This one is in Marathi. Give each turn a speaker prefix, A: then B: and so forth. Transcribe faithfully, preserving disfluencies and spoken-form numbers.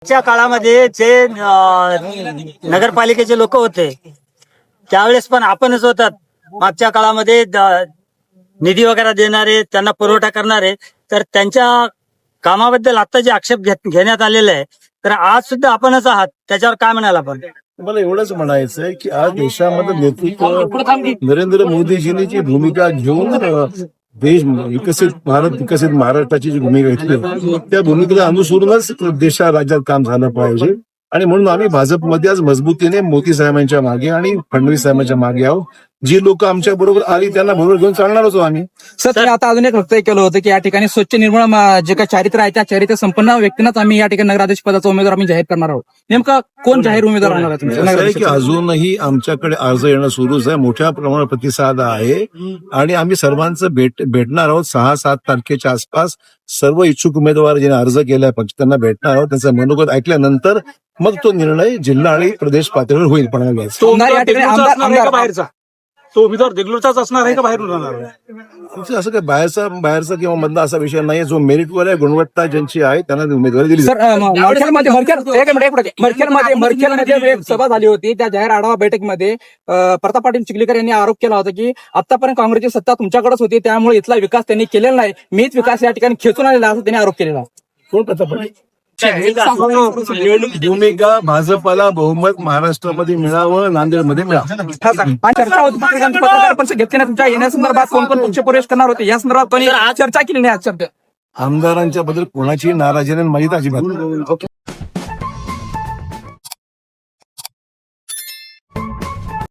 A: च्या काळामध्ये जे अं, नगरपालिकेचे लोक होते त्यावेळेस पण आपणच होतात मागच्या काळामध्ये द- निधी वगैरे देणारे त्यांना पुरवठा करणारे तर त्यांच्या कामाबद्दल आता जे आक्षेप घेत- घेण्यात आलेले आहे तर आज सुद्धा आपणच आहात त्याच्यावर काय म्हणाल आपण?
B: मला एवढंच म्हणायचं आहे की आज देशामध्ये नेतृत्व नरेंद्र मोदीजींनी जी भूमिका घेऊन अ, देश विकसित भारत विकसित महाराष्ट्राची जी भूमिका घेतली त्या भूमिकेला अनुसरूनच देशा राज्यात काम झालं पाहिजे आणि म्हणून आम्ही भाजपमध्ये आज मजबूतीने मोदी साहेबांच्या मागे आणि फडणवीस साहेबांच्या मागे आहोत. जी लोक आमच्या बरोबर आली त्यांना बरोबर घेऊन चालणार होतो आम्ही.
C: सर तुम्ही आता अजून एक वक्तव्य केलं होतं की या ठिकाणी स्वच्छ निर्मळ मा- जे काही चारित्र्य आहे त्या चारित्र्य संपन्न व्यक्तींनाच आम्ही या ठिकाणी नगराध्यक्ष पदाचा उमेदवार आम्ही जाहीर करणार आहोत. नेमका कोण जाहीर उमेदवार होणार आहे तुमच्या
B: असं आहे की
C: नगराध्यक्ष?
B: अजूनही आमच्याकडे अर्ज येणं सुरूच आहे. मोठ्या प्रमाणात प्रतिसाद आहे आणि आम्ही सर्वांचं भेट भेटणार आहोत. सहा सात तारखेच्या आसपास सर्व इच्छुक उमेदवार ज्यांनी अर्ज केलाय पक्ष त्यांना भेटणार आहोत. त्यांचं मनोगत ऐकल्यानंतर मग तो निर्णय जिल्हा आणि प्रदेश पातळीवर होईल. पण
C: तो उमेदवार या ठिकाणी आमदार- आमदार-
D: बाहेरचा तो उमेदवार देगलूरचाच असणार आहे का बाहेरून राहणार आहे?
B: आमचं असं काही बाहेरचा बाहेरचा किंवा मधला असा विषय नाही. जो मेरिटवर आहे गुणवत्ता ज्यांची आहे त्यांना उमेदवारी दिली
C: सर अ, म- मरखेलमध्ये मरखेल एक मिनिट एक मिनिट मरखेलमध्ये मरखेलमध्ये एक सभा झाली होती. त्या जाहीर आढावा बैठकीमध्ये अ, प्रताप पाटील चिखलीकर यांनी आरोप केला होता की आतापर्यंत काँग्रेसची सत्ता तुमच्याकडेच होती त्यामुळे इथला विकास त्यांनी केलेला नाही. मीच विकास या ठिकाणी खेचून आलेला असं त्यांनी आरोप केलेला.
B: कोण प्रताप पाटील? भूमिका भाजपला बहुमत महाराष्ट्रामध्ये मिळावं नांदेडमध्ये मिळावं.
C: हा सर. आणि चर्चा होती पत्रकारांची पत्रकार परिषद घेतली नाही तुमच्या येण्यासंदर्भात कोण कोण पक्ष प्रवेश करणार होते या संदर्भात कोणी चर्चा केली नाही आज शब्द
B: आमदारांच्या बद्दल कोणाची नाराजी नाही माझी तर अजिबात नाही.